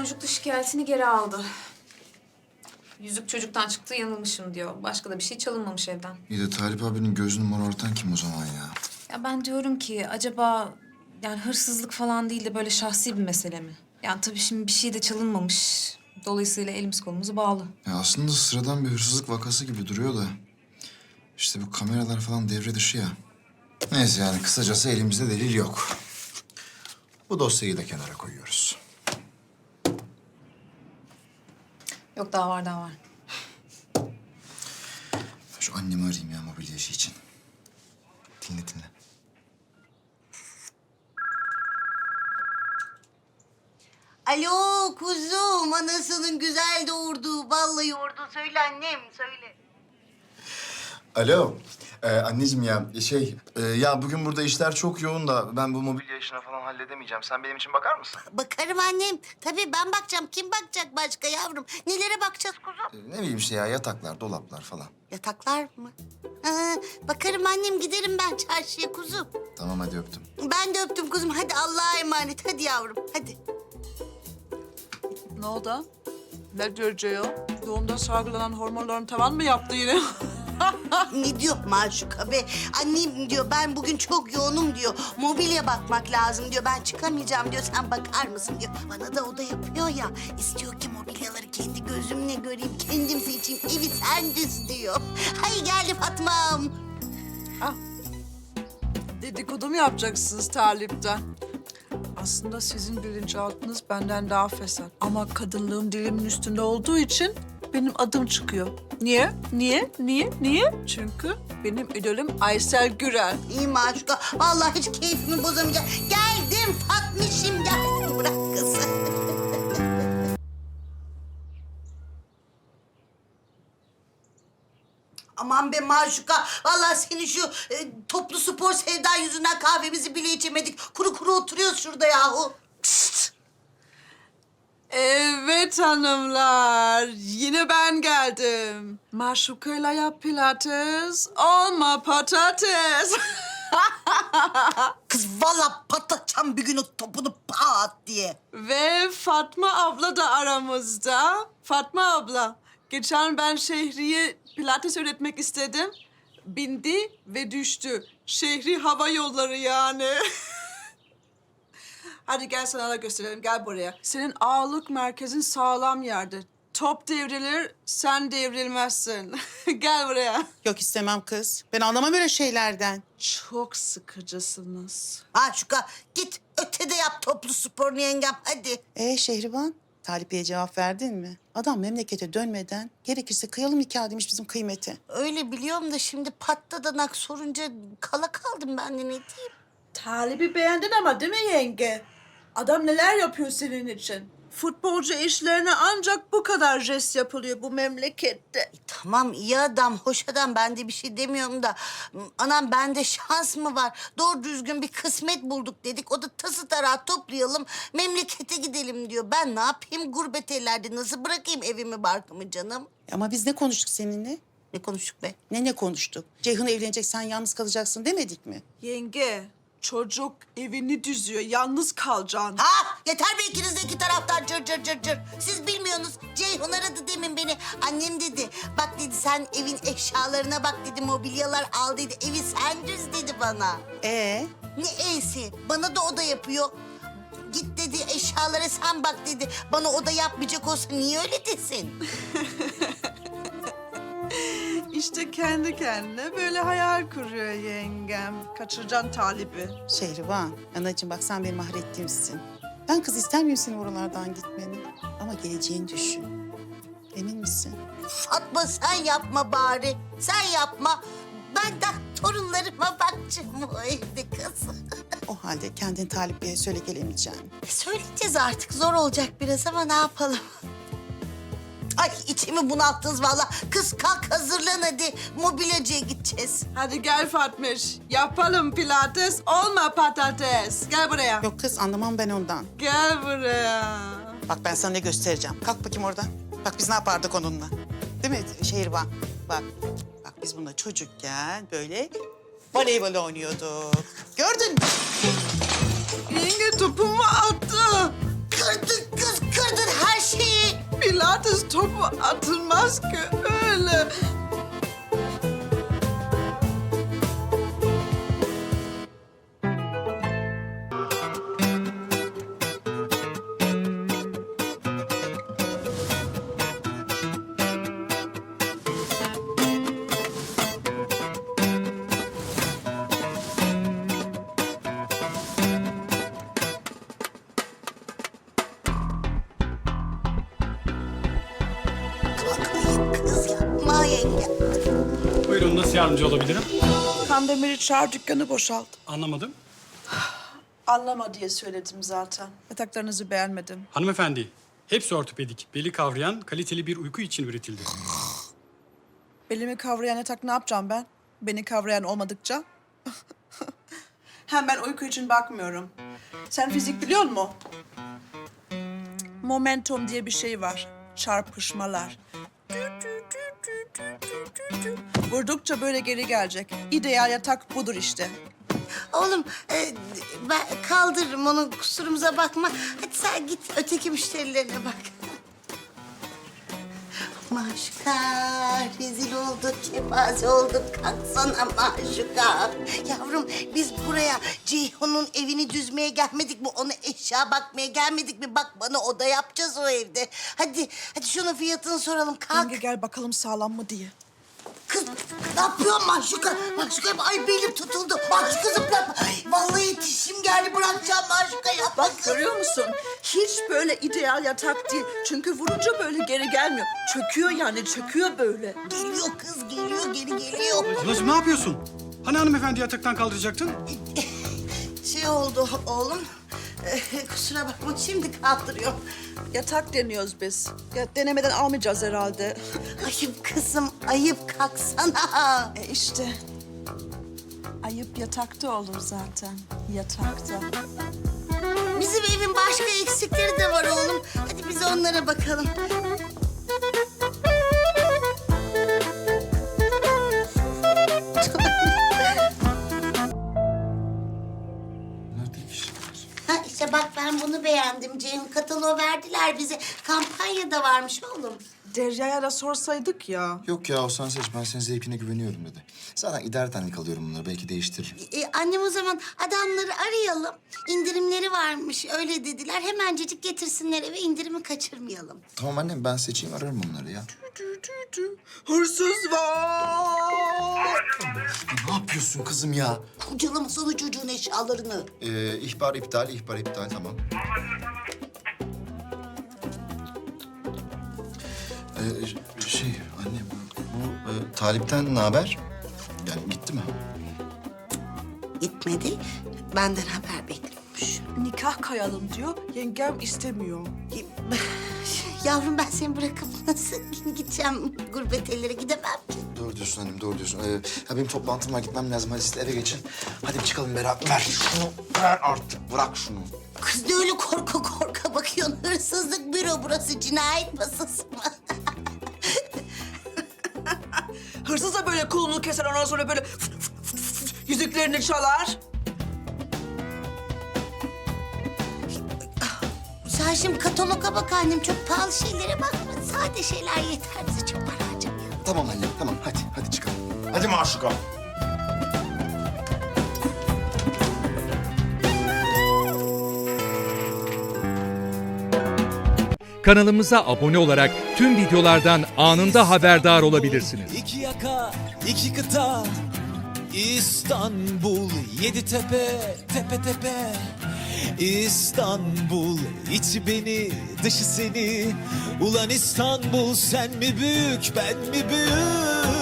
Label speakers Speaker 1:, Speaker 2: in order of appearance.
Speaker 1: Boncuklu şikayetini geri aldı. Yüzük çocuktan çıktı, yanılmışım diyor. Başka da bir şey çalınmamış evden.
Speaker 2: İyi de Talip abinin gözünü morartan kim o zaman ya?
Speaker 1: Ya ben diyorum ki acaba yani hırsızlık falan değil de böyle şahsi bir mesele mi? Yani tabii şimdi bir şey de çalınmamış. Dolayısıyla elimiz kolumuz bağlı.
Speaker 2: Ya aslında sıradan bir hırsızlık vakası gibi duruyor da... ...işte bu kameralar falan devre dışı ya. Neyse yani kısacası elimizde delil yok. Bu dosyayı da kenara koyuyoruz.
Speaker 1: Yok daha var, daha var.
Speaker 2: Şu annemi arayayım ya mobilya işi için. Dinle.
Speaker 3: Alo kuzum, anasının güzel doğurduğu vallahi yoğurdu. Söyle annem, söyle.
Speaker 2: Alo. Anneciğim ya bugün burada işler çok yoğun da ben bu mobilya işini falan halledemeyeceğim. Sen benim için bakar mısın?
Speaker 3: Bakarım annem. Tabii ben bakacağım. Kim bakacak başka yavrum? Nelere bakacağız kuzum?
Speaker 2: Ne bileyim işte ya yataklar, dolaplar falan.
Speaker 3: Yataklar mı? Bakarım annem, giderim ben çarşıya kuzum.
Speaker 2: Tamam hadi öptüm.
Speaker 3: Ben de öptüm kuzum. Hadi Allah'a emanet. Hadi yavrum, hadi.
Speaker 4: Ne oldu? Ne diyor? Doğumda salgılanan hormonların tavan mı yaptı yine?
Speaker 3: Ne diyor Maşuka be? Annem diyor ben bugün çok yoğunum diyor. Mobilya bakmak lazım diyor. Ben çıkamayacağım diyor. Sen bakar mısın diyor. Bana da o da yapıyor ya. İstiyor ki mobilyaları kendi gözümle göreyim. Kendim seçeyim. Evi sen düz diyor. Hay geldi Fatma'm.
Speaker 4: Dedikodu mu yapacaksınız Talip'ten? Aslında sizin bilinçaltınız benden daha fesat. Ama kadınlığım dilimin üstünde olduğu için benim adım çıkıyor. Niye? Çünkü benim idolüm Aysel Gürel.
Speaker 3: İyi Maşuka. Vallahi hiç keyfimi bozamayacağım. Geldim Fatmişim geldim. Bırak kızı. Aman be Maşuka. Vallahi senin şu toplu spor sevdan yüzünden kahvemizi bile içemedik. Kuru kuru oturuyoruz şurada yahu. Pişt.
Speaker 4: Evet hanımlar, yine ben geldim. Maşukayla yap pilates, olma patates.
Speaker 3: Kız vallahi patlatacağım bir gün o topunu pat diye.
Speaker 4: Ve Fatma abla da aramızda. Fatma abla, geçen ben Şehri'ye pilates öğretmek istedim. Bindi ve düştü. Şehri hava yolları yani. Hadi gel sana da gösterelim, gel buraya. Senin ağırlık merkezin sağlam yerde. Top devrilir, sen devrilmezsin. Gel buraya.
Speaker 5: Yok istemem kız. Ben anlamam öyle şeylerden.
Speaker 4: Çok sıkıcısınız.
Speaker 3: Maşuka git ötede yap toplu sporunu yengem hadi.
Speaker 5: Şehriban, Talip Bey'e cevap verdin mi? Adam memlekete dönmeden gerekirse kıyalım nikah demiş bizim kıymeti.
Speaker 3: Öyle biliyorum da şimdi patladanak sorunca kala kaldım ben de ne diyeyim.
Speaker 4: Talip'i beğendin ama değil mi yenge? Adam neler yapıyor senin için? Futbolcu işlerine ancak bu kadar jest yapılıyor bu memlekette.
Speaker 3: Tamam iyi adam, hoş adam. Ben de bir şey demiyorum da. Anam bende şans mı var? Doğru düzgün bir kısmet bulduk dedik. O da tası tarağı toplayalım, memlekete gidelim diyor. Ben ne yapayım gurbet ellerde? Nasıl bırakayım evimi barkımı canım?
Speaker 5: Ama biz ne konuştuk seninle?
Speaker 3: Ne konuştuk be?
Speaker 5: Ne konuştuk? Ceyhun evlenecek, sen yalnız kalacaksın demedik mi?
Speaker 4: Yenge, çocuk evini düzüyor, yalnız kalacaksın.
Speaker 3: Ha yeter be ikiniz de iki taraftan cır. Siz bilmiyorsunuz. Ceyhun aradı demin beni. Annem dedi. Bak dedi sen evin eşyalarına bak dedi. Mobilyalar al dedi. Evi sen düz dedi bana. Ne e'si? Bana da o da yapıyor. Git dedi eşyalara sen bak dedi. Bana o da yapmayacak olsa niye öyle desin?
Speaker 4: İşte kendi kendine böyle hayal kuruyor yengem. Kaçıracaksın Talip'i.
Speaker 5: Şehriban, anacığım bak sen benim mahrettiğimsin. Ben kız istemiyorum senin oralardan gitmeni. Ama geleceğini düşün. Emin misin?
Speaker 3: Fatma sen yapma bari. Sen yapma. Ben de torunlarıma bakacağım o evde kız.
Speaker 5: O halde kendin Talip Bey'e söyle gelemeyeceğim.
Speaker 3: Söyleyeceğiz artık. Zor olacak biraz ama ne yapalım? Ay içimi bunalttınız vallahi. Kız kalk hazırlan hadi. Mobilyacıya gideceğiz.
Speaker 4: Hadi gel Fatmiş, yapalım pilates, olma patates. Gel buraya.
Speaker 5: Yok kız anlamam ben ondan.
Speaker 4: Gel buraya.
Speaker 5: Bak ben sana ne göstereceğim. Kalk bakayım oradan. Bak biz ne yapardık onunla. Değil mi Şehriban? Bak biz bununla çocukken böyle voleybol oynuyorduk. Gördün mü?
Speaker 4: Yenge topumu attı.
Speaker 3: Kırdın kız kırdın.
Speaker 4: Pilates topu atılmaz ki öyle.
Speaker 3: Kız yapma yenge.
Speaker 6: Buyurun, nasıl yardımcı olabilirim?
Speaker 4: Kandemir'i çağır, dükkanı boşalt.
Speaker 6: Anlamadım.
Speaker 4: Anlama diye söyledim zaten. Yataklarınızı beğenmedim.
Speaker 6: Hanımefendi, hepsi ortopedik, beli kavrayan, kaliteli bir uyku için üretildi.
Speaker 4: Belimi kavrayan yatak ne yapacağım ben? Beni kavrayan olmadıkça. Hem ben uyku için bakmıyorum. Sen fizik biliyor musun? Momentum diye bir şey var. Çarpışmalar. Vurdukça böyle geri gelecek. İdeal yatak budur işte.
Speaker 3: Oğlum ben kaldırırım onu, kusurumuza bakma. Hadi sen git öteki müşterilerine bak. Maşuka, rezil olduk, kepaze olduk. Kalksana Maşuka. Yavrum biz buraya Ceyhun'un evini düzmeye gelmedik mi? Ona eşya bakmaya gelmedik mi? Bak bana oda yapacağız o evde. Hadi şunun fiyatını soralım. Kalk.
Speaker 4: Yenge gel bakalım sağlam mı diye.
Speaker 3: Kız ne yapıyorsun Maşuka? Maşuka ay belim tutuldu. Maşuka zıplatma. Ay, vallahi dişim geldi, bırakacağım Maşuka, yapma
Speaker 4: Bak
Speaker 3: kız.
Speaker 4: görüyor musun? Hiç böyle ideal yatak değil. Çünkü vurunca böyle geri gelmiyor. Çöküyor yani, çöküyor böyle.
Speaker 3: Geliyor kız, geliyor, geri geliyor.
Speaker 6: Ablacığım ne yapıyorsun? Hani hanımefendi yataktan kaldıracaktın?
Speaker 3: Şey oldu oğlum. Kusura bakma, şimdi kaldırıyorum.
Speaker 4: Yatak deniyoruz biz. Ya denemeden almayacağız herhalde.
Speaker 3: Ayıp kızım, ayıp, kalksana.
Speaker 4: İşte. Ayıp yatakta olur zaten. Yatakta.
Speaker 3: Bizim evin başka eksikleri de var oğlum. Hadi biz onlara bakalım.
Speaker 2: Neredeymiş?
Speaker 3: Ha işte bak, ben bunu beğendim. Cem kataloğu verdiler bize. Kampanyada varmış oğlum.
Speaker 4: Derya'ya da sorsaydık ya.
Speaker 2: Yok ya, o sen seç. Ben senin zevkine güveniyorum dedi. Zaten idaretenlik alıyorum bunları. Belki değiştiririm.
Speaker 3: Annem o zaman adamları arayalım. İndirimleri varmış öyle dediler. Hemencecik getirsinler eve, indirimi kaçırmayalım.
Speaker 2: Tamam annem, ben seçeyim, ararım onları ya.
Speaker 4: Hırsız var.
Speaker 2: Ne yapıyorsun kızım ya?
Speaker 3: Kurcalamasana çocuğun eşyalarını.
Speaker 2: İhbar iptal, tamam. Anne bu Talip'ten ne haber? Yani gitti mi?
Speaker 3: Gitmedi. Benden haber bekliyormuş.
Speaker 4: Nikah kayalım diyor. Yengem istemiyor.
Speaker 3: Yavrum ben seni bırakıp nasıl gideceğim gurbet ellere, gidemem ki.
Speaker 2: Doğru diyorsun annem, doğru diyorsun. Ya benim toplantım var, gitmem lazım. Hadi siz de eve geçin. Hadi bir çıkalım beraber. Ver şunu, ver artık. Bırak şunu.
Speaker 3: Kız ne öyle korka korka bakıyorsun? Hırsızlık büro burası, cinayet masası mı?
Speaker 4: Hırsız da böyle kolunu keser, ondan sonra böyle yüzüklerini çalar.
Speaker 3: Sen şimdi kataloga bak annem, çok pahalı şeylere bakma. Sade şeyler yeter bize, çok para harcamayalım.
Speaker 2: Tamam annem, tamam. Hadi çıkalım. Hadi Maşuka.
Speaker 7: Kanalımıza abone olarak tüm videolardan anında haberdar olabilirsiniz.
Speaker 8: İki yaka, iki kıta, İstanbul, yedi tepe, tepe tepe. İstanbul, içi beni, dışı seni. Ulan İstanbul, sen mi büyük, ben mi büyük?